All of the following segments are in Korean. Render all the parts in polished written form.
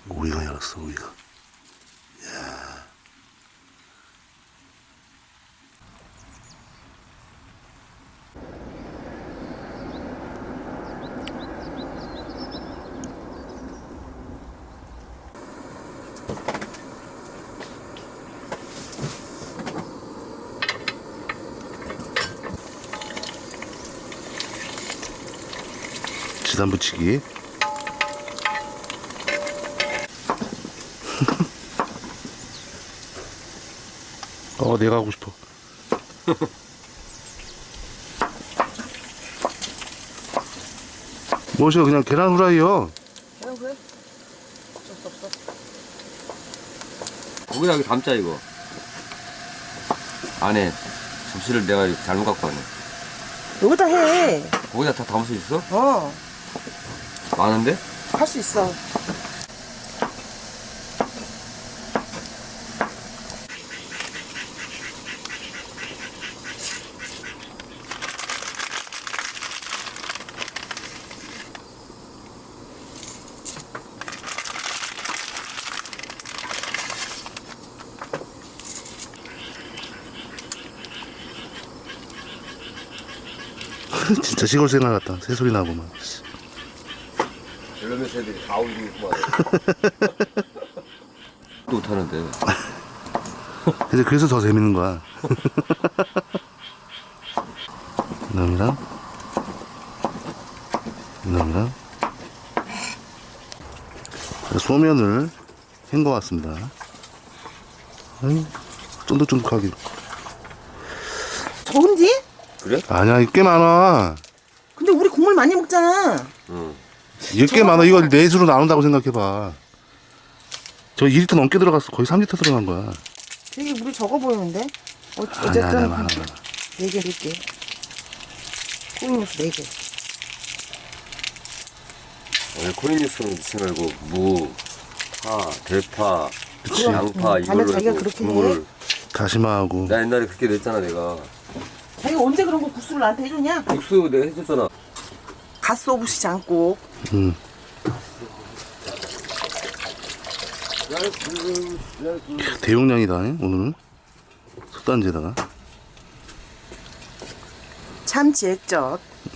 오이가 열었어, 오이가. 이야. 지단 붙이기. 내가 하고 싶어. 뭐시여, 그냥 계란 후라이요. 계란 그래? 어쩔 수 없어. 거기다 여기 담자 이거. 안에 접시를 내가 이렇게 잘못 갖고 왔네. 여기다 해. 거기다 다 담을 수 있어? 어, 많은데? 할 수 있어. 진짜 시골 생활 같다. 새소리 나고만. 별로면 새들이 다 울고 있구만. 또 못하는데. 근데 그래서 더 재밌는 거야. 이놈이랑 이놈이랑 소면을 헹궈 왔습니다. 쫀득쫀득하게. 좋은지? 그래? 아니야, 이게 꽤 많아. 근데 우리 국물 많이 먹잖아. 응. 이게 꽤 많아. 이걸 넷으로 나눈다고 생각해봐. 저 2리터 넘게 들어갔어. 거의 3리터 들어간 거야. 되게 물이 적어 보이는데? 아니야, 어쨌든 많아. 4개 넣을게. 콩국수 4개. 오늘 코리뉴스는 넣지 말고 무, 파, 대파, 그치. 양파 이걸로 자기가 해서 그렇게 국물을. 다시마하고. 나 옛날에 그렇게 냈잖아 내가. 자기가 언제 그런 거 국수를 나한테 해줬냐? 국수 내가 해줬잖아. 갓소부시지 않고. 대용량이다, 오늘은. 솥단지에다가. 참치 액젓.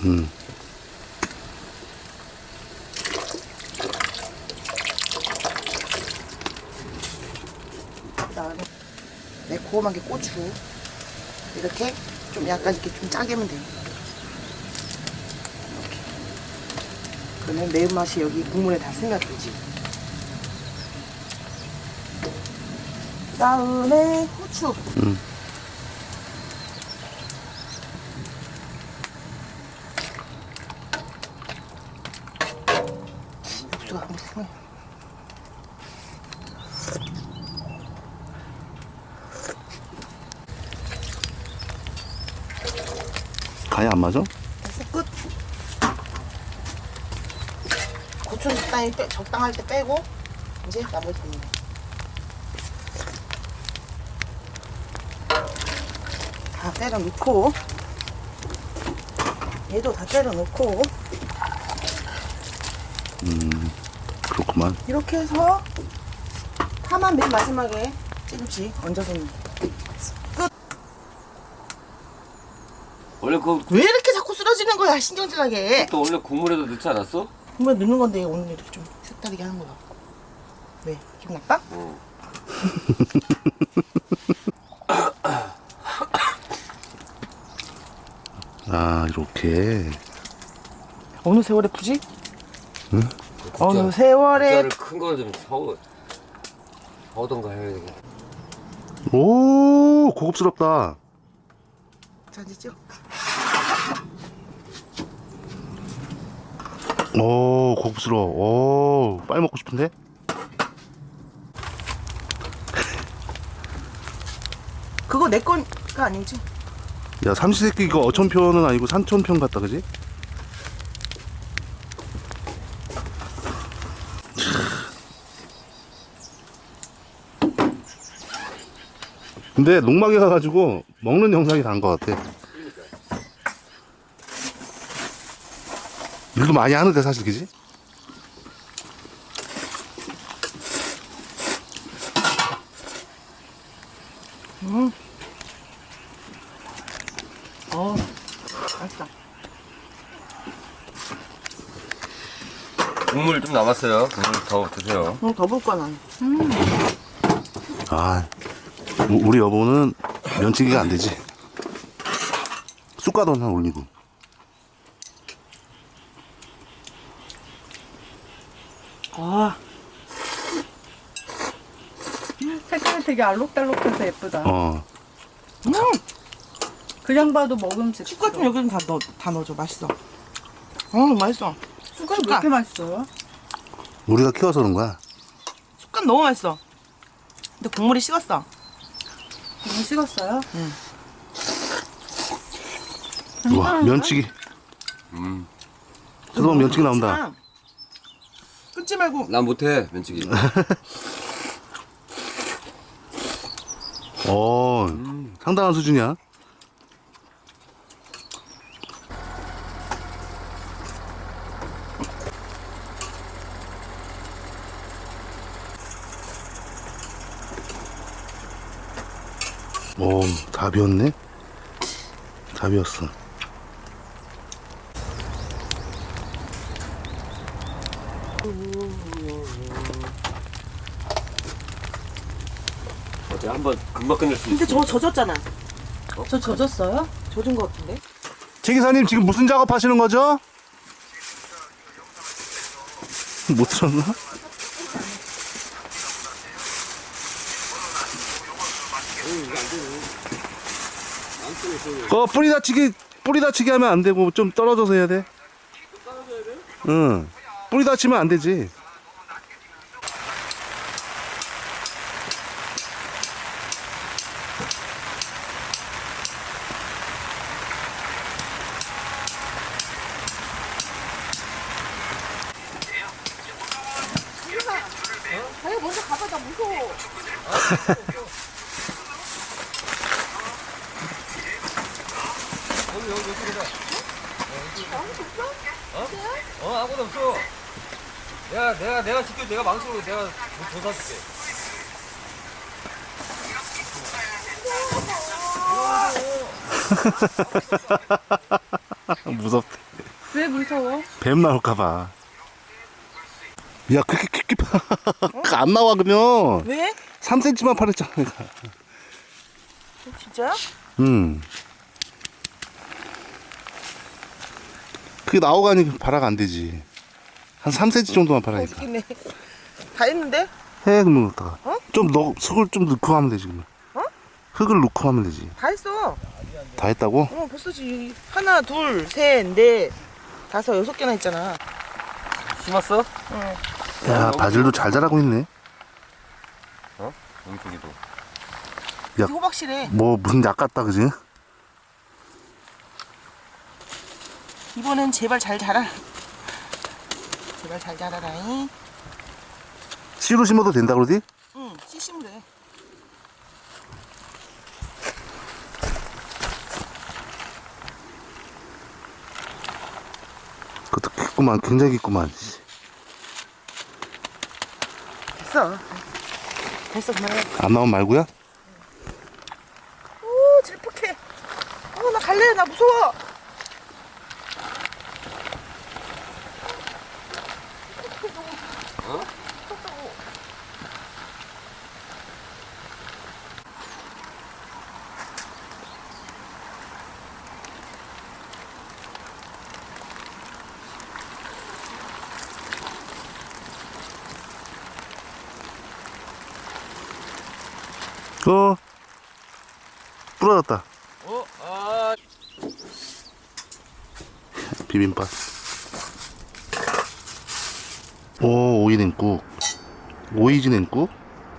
그다음에 매콤하게 고추. 이렇게 좀 약간 이렇게 좀 짜게 하면 돼. 이렇게. 그러면 매운맛이 여기 국물에 다 스며들지. 그다음에 후추. 후추가 한번 스며. 간이 안 맞아? 됐어, 끝. 고추는 적당할 때 빼고 이제 나머지 넣는 거. 다 때려 넣고 얘도 다 때려 넣고 그렇구만. 이렇게 해서 파만 맨 마지막에 조금씩 얹어서 넣는 거. 끝. 원래 왜 이렇게 자꾸 쓰러지는 거야, 신경질나게. 또 원래 국물에도 넣지 않았어? 분명 넣는 건데 오늘 이렇게 좀 색다르게 하는 거야. 왜? 기분 나빠? 응. 아, 이렇게. 어느 세월에 푸지? 어느 세월에 국자를 큰 거 좀 사오던가 해야 되겠다. 오, 고급스럽다. 자 이제 찍어. 오, 고급스러워. 오, 빨리 먹고 싶은데? 그거 내 거가 아니지? 야, 삼시세끼 이거 어촌편은 아니고 산촌편 같다, 그지? 근데 농막에 가가지고 먹는 영상이 난 것 같아. 일도 많이 하는데 사실, 그지? 맛있다. 국물 좀 남았어요. 국물 더 드세요. 더 볼 거야 난. 아, 우리 여보는 면치기가 안 되지. 쑥가도 하나 올리고. 아, 색깔이 되게 알록달록해서 예쁘다. 어, 그냥 봐도 먹음직. 쑥갓 좀 여기는 다 넣어줘. 맛있어. 맛있어. 쑥갓 왜 이렇게 맛있어요? 우리가 키워서 그런 거야. 쑥갓 너무 맛있어. 근데 국물이 식었어. 너무 식었어요? 우와, 면치기. 뜨거운 면치기 나온다. 끊지 말고. 난 못해 면치기. 상당한 수준이야. 오, 다 비었네? 다 비었어. 어제 한번 금방 끝낼 수 있어. 근데 저거 젖었잖아. 저 젖었어요? 젖은 거 같은데? 최 기사님 지금 무슨 작업하시는 거죠? 못 들었나? 뿌리 다치기 하면 안 되고 좀 떨어져서 해야 돼. 응. 뿌리 다치면 안 되지. 아니 먼저 가봐. 나 무서워. 아무도 없어. 내가 지켜. 내가 망치로 내가 도사줄게. 무섭다. 왜 무서워? 뱀 나올까봐. 야, 그렇게 깊게 안 나와, 그러면. 왜? 3cm만 파랬잖아, 내가. 진짜야? 그게 나오가니 발화가 안 되지. 한 3cm 정도만 파라니까. 어떡했네. 다 했는데? 해, 그러면 어떡하. 어? 흙을 좀 넣고 하면 되지, 그러면. 어? 흙을 넣고 하면 되지. 다 했어. 다 했다고? 벌써 지금 하나, 둘, 셋, 넷, 다섯, 6개나 했잖아. 심었어? 응. 야, 바질도 잘 자라고 있네. 용쪽이도. 야. 호박실에 뭐, 무슨 약 같다, 그지? 이번엔 제발 잘 자라. 제발 잘 자라라잉. 씨로 심어도 된다, 그러지? 응, 씨심으로 해. 그것도 깊구만, 굉장히 깊구만. 됐어. 됐어, 그만해. 안 나오면 말고야? 오, 질퍽해. 나 갈래. 나 무서워. 부러졌다. 아. 비빔밥. 오, 오이 냉국. 오이지 냉국.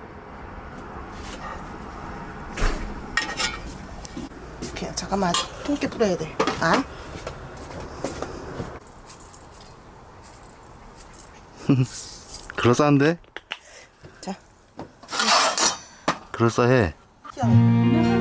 그냥 잠깐만 통깨 뿌려야 돼. 안? 그럴싸한데? 자. 그럴싸해. 시원해.